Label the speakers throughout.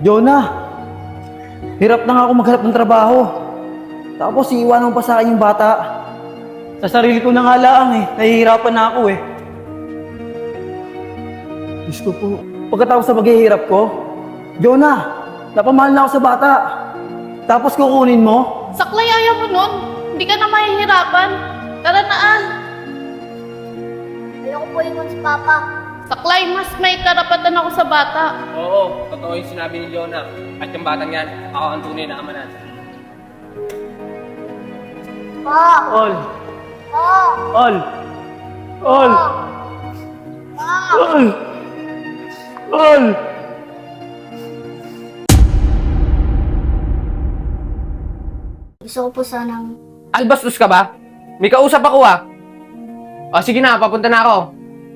Speaker 1: Jonah, hirap na nga ako maghanap ng trabaho. Tapos iiwanan mo pa sa akin yung bata. Sa sarili ko na nga lang eh. Nahihirapan na ako eh. Diyos ko po. Pagkatapos sa paghihirap ko, Jonah, napamahal na ako sa bata. Tapos kukunin mo?
Speaker 2: Saklay, ayaw mo nun. Hindi ka na mahihirapan. Tara na, Al.
Speaker 3: Ayoko po iwan si Papa.
Speaker 2: Saklay, mas may karapatan ako sa bata.
Speaker 4: Oo, totoo yung sinabi ni Jonah. At yung batang yan, ako ang tunay na ama natin.
Speaker 3: Pa!
Speaker 1: Ol!
Speaker 3: Pa!
Speaker 1: Ol! Ol!
Speaker 3: Pa!
Speaker 1: Ol! Ol!
Speaker 3: Gusto ko po sanang...
Speaker 4: Albastos ka ba? May kausap ako ah. O sige na, papunta na ako.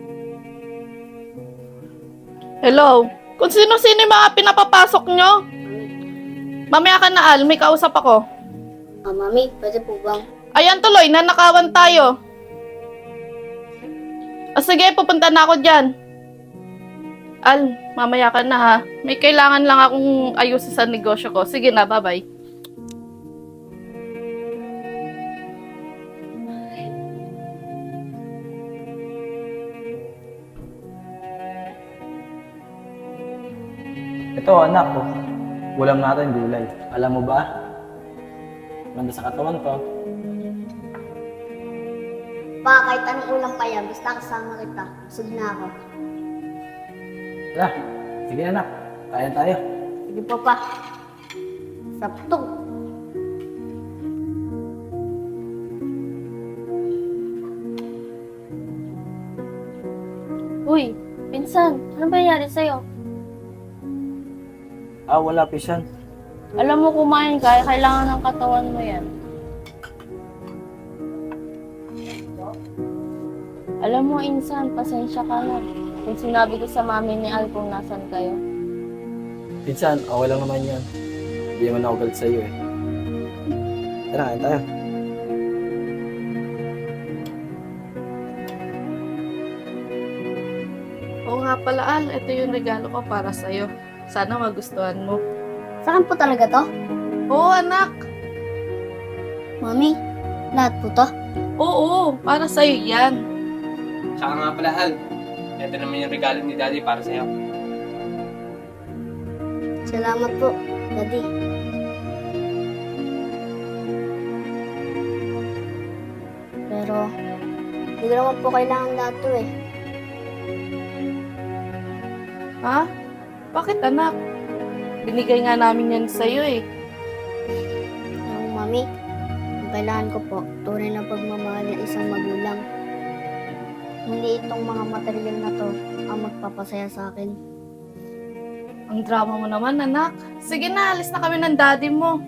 Speaker 2: Hello? Kung sino-sino yung mga pinapapasok nyo? Mamaya ka na, Al. May kausap ako.
Speaker 3: Mami, pwede po bang...
Speaker 2: Ayan tuloy, nanakawan tayo. O sige, pupunta na ako dyan. Al, mamaya ka na ha. May kailangan lang akong ayusin sa negosyo ko. Sige na, bye-bye.
Speaker 1: Ito anak ko. Ulam natin gulay. Alam mo ba? Ganda sa katawan to.
Speaker 3: Pa, kahit anong ulam pa yan, basta kasama kita. Busog na ako.
Speaker 1: Tara, sige anak. Kaya tayo.
Speaker 3: Sige po, Pa. Saptog.
Speaker 5: Uy, pinsan, ano ba nangyari sa'yo?
Speaker 1: Wala pisan.
Speaker 5: Alam mo kumain ka, kailangan ng katawan mo yan. Alam mo, insan, pasensya ka na. Kung sinabi ko sa mami ni Al kung nasan kayo.
Speaker 1: Pinsan, okay lang naman yan. Hindi naman ako galit sa'yo eh. Tara, kain tayo.
Speaker 2: Oo nga pala, Al. Ito yung regalo ko para sa'yo. Sana magustuhan mo.
Speaker 3: Saan po talaga to?
Speaker 2: Oo, anak.
Speaker 3: Mami, lahat po to?
Speaker 2: Oo, para sa'yo yan.
Speaker 4: Tsaka nga pala, Al. Ito naman yung regalo ni Daddy para sa'yo.
Speaker 3: Salamat po, Daddy. Pero, hindi ko naman po kailangan lahat to eh.
Speaker 2: Ha? Bakit, anak? Binigay nga namin yan sa'yo eh.
Speaker 3: Yung Mami, ang kailangan ko po, tunay na pagmamahal ng isang magulang. Hindi itong mga material na to ang magpapasaya sa akin.
Speaker 2: Ang drama mo naman, anak. Sige na, alis na kami ng daddy mo.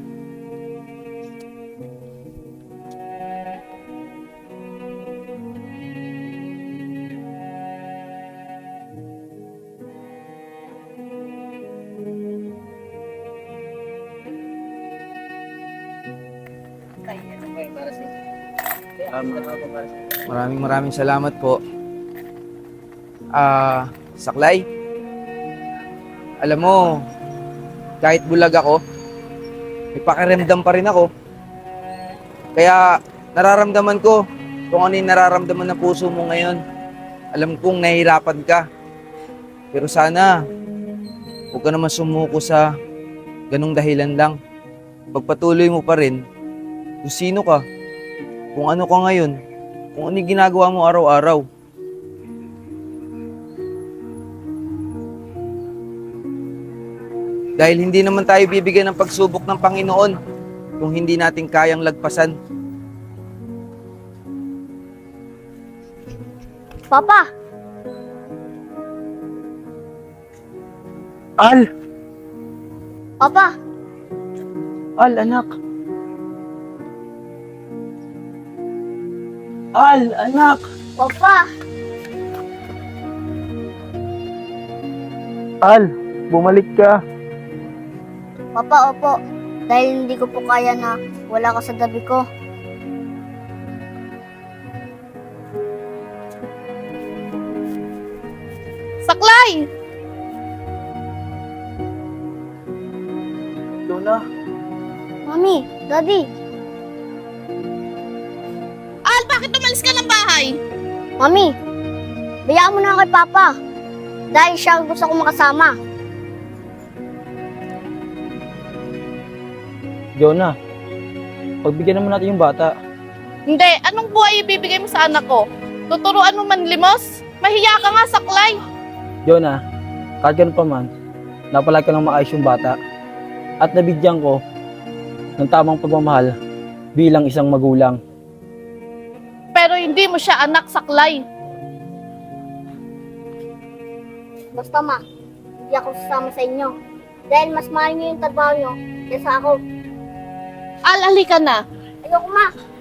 Speaker 6: Maraming salamat po. Saklay, alam mo, kahit bulag ako, may pakiramdam pa rin ako. Kaya nararamdaman ko kung ano yung nararamdaman ng puso mo ngayon. Alam kong nahihirapan ka. Pero sana, huwag ka naman sumuko sa ganong dahilan lang. Pagpatuloy mo pa rin kung sino ka, kung ano ka ngayon, kung ano yung ginagawa mo araw-araw. Dahil hindi naman tayo bibigyan ng pagsubok ng Panginoon kung hindi natin kayang lagpasan.
Speaker 3: Papa!
Speaker 1: Al!
Speaker 3: Papa!
Speaker 1: Al, anak! Al, anak!
Speaker 3: Papa!
Speaker 1: Al, bumalik ka.
Speaker 3: Papa, opo. Dahil hindi ko po kaya na wala ka sa tabi ko.
Speaker 2: Saklay!
Speaker 1: Jonah,
Speaker 3: Mami, Daddy,
Speaker 2: Al, bakit umalis ka ng bahay?
Speaker 3: Mami, bayaan mo na kay Papa. Dahil siya ang gusto kong makasama.
Speaker 1: Jonah, pagbigyan naman natin yung bata.
Speaker 2: Hindi, anong buhay ibibigay mo sa anak ko? Tuturuan mo manlimos? Mahiya ka nga, saklay.
Speaker 1: Jonah, kahit ganun pa man, napalaki ko ng maayos yung bata. At nabigyan ko ng tamang pagmamahal bilang isang magulang.
Speaker 2: Pero hindi mo siya anak, saklay.
Speaker 3: Basta ma, hindi ako sasama sa inyo. Dahil mas mahal niyo yung trabaho niyo kaysa ako.
Speaker 2: Al, halika na.
Speaker 3: Ayoko ma,